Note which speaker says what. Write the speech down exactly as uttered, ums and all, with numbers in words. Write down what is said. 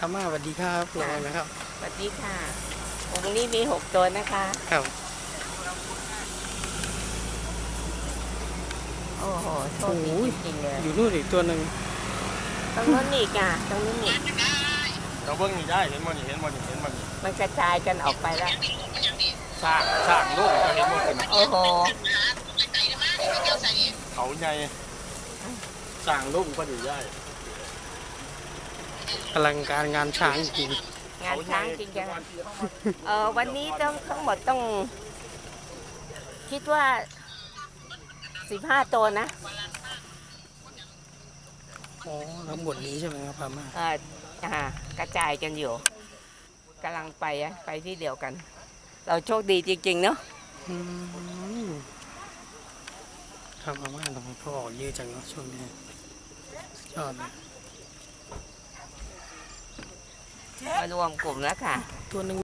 Speaker 1: อาม่าสวัสดีครับลองนะครับ
Speaker 2: สวัสดีค่ะองค์นี้มีหกตัวนะคะ
Speaker 1: ครับ
Speaker 2: โอ้โหโชคดีจริงๆเลย
Speaker 1: อยู่นู่นอีกตัวหนึ่ง
Speaker 2: ตรงนู้นอีกอ่ะตรงนู้นอีก
Speaker 3: เราเบิ้งนี่ได้เห็นมันนี่เห็นมันนี่เห็นมันนี่
Speaker 2: มันกระจายกันออกไปแล้ว
Speaker 3: สร้างสร้างลูกก็เห็นหมดเลยนะ
Speaker 2: โอ้โห
Speaker 3: เขาใหญ่สร้างลูกก็ดีได้
Speaker 1: อลังการงานช้างจริง
Speaker 2: งานช้างจริงจังเออวันนี้ต้องทั้งหมดต้องคิดว่าสิบห้าตัวนะ
Speaker 1: อ๋อทั้งหมดนี้ใช่ไหมครับอาม่า
Speaker 2: เอออ่ากระจายกันอยู่กำลังไปอะไปที่เดียวกัน เราโชคดีจริงๆเนาะ
Speaker 1: ทำอาม่าทำไมพ่อออกเยอะจังเนาะช่วงนี้ยอดเลย
Speaker 2: มารวมกลุ่มแล้วค่ะ
Speaker 1: ตัวหนึ่ง